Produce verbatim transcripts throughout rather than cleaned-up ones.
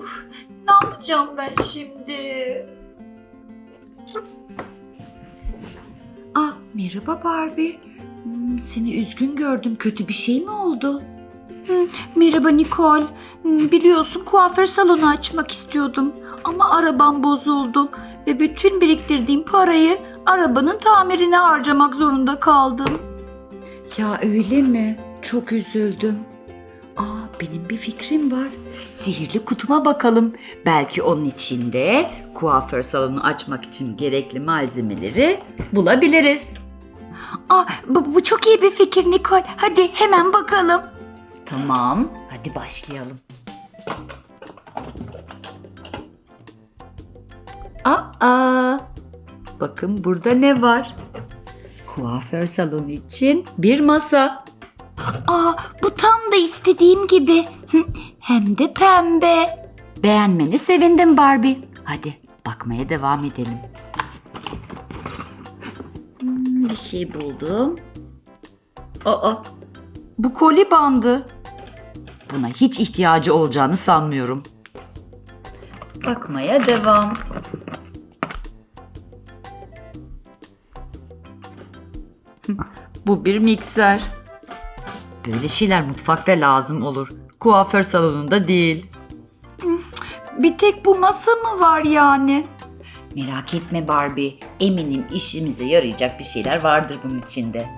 Ne yapacağım ben şimdi? Ah, merhaba Barbie. Hmm, seni üzgün gördüm. Kötü bir şey mi oldu? Merhaba Nicole. Hmm, Biliyorsun kuaför salonu açmak istiyordum. Ama arabam bozuldu. Ve bütün biriktirdiğim parayı arabanın tamirine harcamak zorunda kaldım. Ya öyle mi? Çok üzüldüm. Aa, benim bir fikrim var. Sihirli kutuma bakalım. Belki onun içinde kuaför salonu açmak için gerekli malzemeleri bulabiliriz. Aa, bu, bu çok iyi bir fikir Nicole. Hadi hemen bakalım. Tamam, hadi başlayalım. Aa, bakın burada ne var? Kuaför salonu için bir masa. Aa, bu tam da istediğim gibi. Hı, Hem de pembe. Beğenmeni sevindim Barbie. Hadi bakmaya devam edelim. Hmm, bir şey buldum. Aa, bu koli bandı. Buna hiç ihtiyacı olacağını sanmıyorum. Bakmaya devam. Bu bir mikser. Böyle şeyler mutfakta lazım olur. Kuaför salonunda değil. Bir tek bu masa mı var yani? Merak etme Barbie. Eminim işimize yarayacak bir şeyler vardır bunun içinde.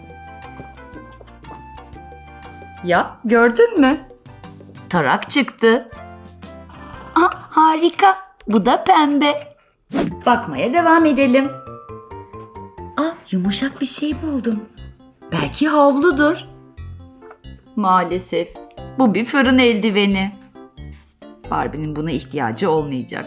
Ya gördün mü? Tarak çıktı. Aa, harika. Bu da pembe. Bakmaya devam edelim. Ah, yumuşak bir şey buldum. Belki havludur. Maalesef bu bir fırın eldiveni. Barbie'nin buna ihtiyacı olmayacak.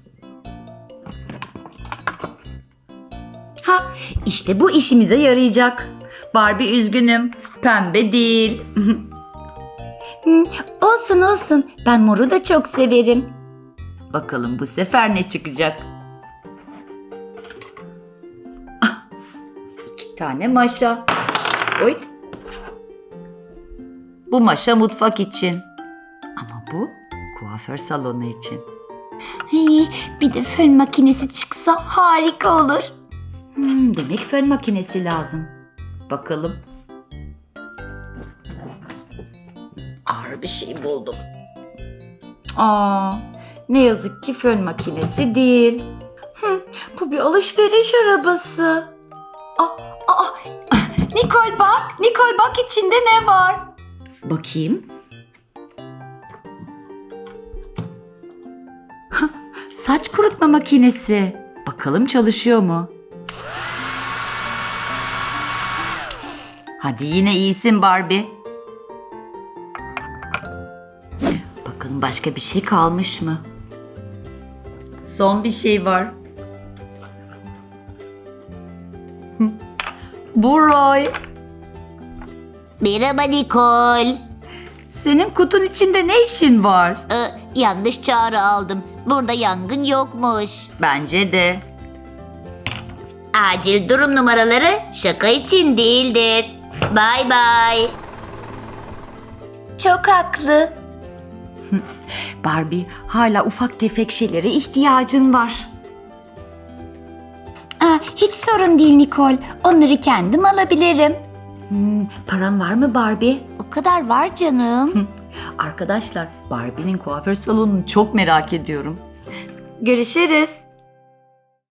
Ha, işte bu işimize yarayacak. Barbie üzgünüm. Pembe değil. Hmm, olsun olsun. Ben moru da çok severim. Bakalım bu sefer ne çıkacak? Ah, iki tane maşa. Oy. Bu maşa mutfak için. Ama bu kuaför salonu için. Hey, bir de fön makinesi çıksa harika olur. Hmm, demek fön makinesi lazım. Bakalım. Ağır bir şey buldum. Aa, ne yazık ki fön makinesi değil. Hı, bu bir alışveriş arabası. Aa, aa, Nicole bak, Nicole bak içinde ne var? Bakayım. Hah, saç kurutma makinesi. Bakalım çalışıyor mu? Hadi yine iyisin Barbie. Bakalım başka bir şey kalmış mı? Son bir şey var. Hı, bu Roy. Merhaba Nicole. Senin kutun içinde ne işin var? Ee, yanlış çağrı aldım. Burada yangın yokmuş. Bence de. Acil durum numaraları şaka için değildir. Bye bye. Çok haklı. Barbie, hala ufak tefek şeylere ihtiyacın var. Aa, hiç sorun değil Nicole. Onları kendim alabilirim. Hmm, paran var mı Barbie? O kadar var canım. Arkadaşlar, Barbie'nin kuaför salonunu çok merak ediyorum. Görüşürüz.